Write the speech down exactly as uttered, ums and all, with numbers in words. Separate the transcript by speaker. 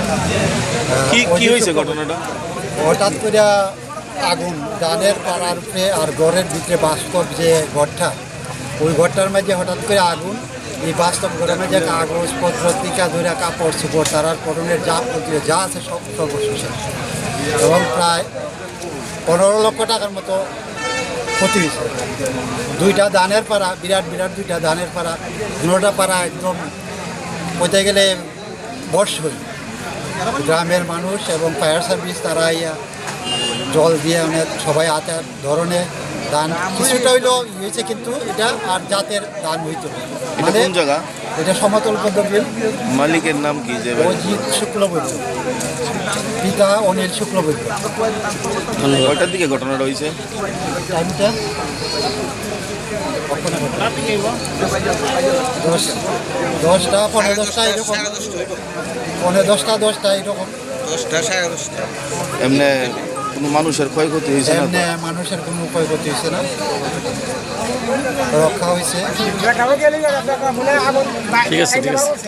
Speaker 1: কি কি হয়েছে ঘটনাটা?
Speaker 2: হঠাৎ করে আগুন ধানের পাড়ার উপরে আর ঘরের ভিতরে বাস্তব যে ঘরটা, ওই ঘরটার মাঝে হঠাৎ করে আগুন। এই বাস্তব ঘরের মাঝে কাগজপত্র টিকা ধরে কাপড় চোপড় তারার পরনের যা প্রতিও যা আছে সব সর্বশেষ, এবং প্রায় পনেরো লক্ষ টাকার মতো ক্ষতি হয়েছে। দুইটা ধানের পাড়া, বিরাট বিরাট দুইটা ধানের পাড়া, দুটা পাড়া একদম বলতে গেলে বর্ষ হই। গ্রামের মানুষ এবং ফায়ার সার্ভিস তারা ইয়া জল দিয়ে অনেক সবাই আতার ধরনের ধান কিছুটা হইলো হয়েছে, কিন্তু এটা আর জাতের ধান হইতো মানে
Speaker 1: কোন জায়গা?
Speaker 2: এটা সমতল পদ্ধতির।
Speaker 1: মালিকের নাম কি? যে
Speaker 2: অজিত শুক্লবৈদ্য, পিতা অনিল শুক্লবৈদ্য।
Speaker 1: কয়টার দিকে ঘটনাটা হয়েছে?
Speaker 2: টাইমটা দশ দশটা পনেরো দশটা এরকম, পনেরো দশটা দশটা এরকম।
Speaker 1: এমনি কোনো মানুষের ক্ষয়ক্ষতি হয়েছে না?
Speaker 2: এমনি মানুষের কোনো ক্ষয়ক্ষতি হয়েছে না, রক্ষা হয়েছে।
Speaker 3: ঠিক আছে ঠিক আছে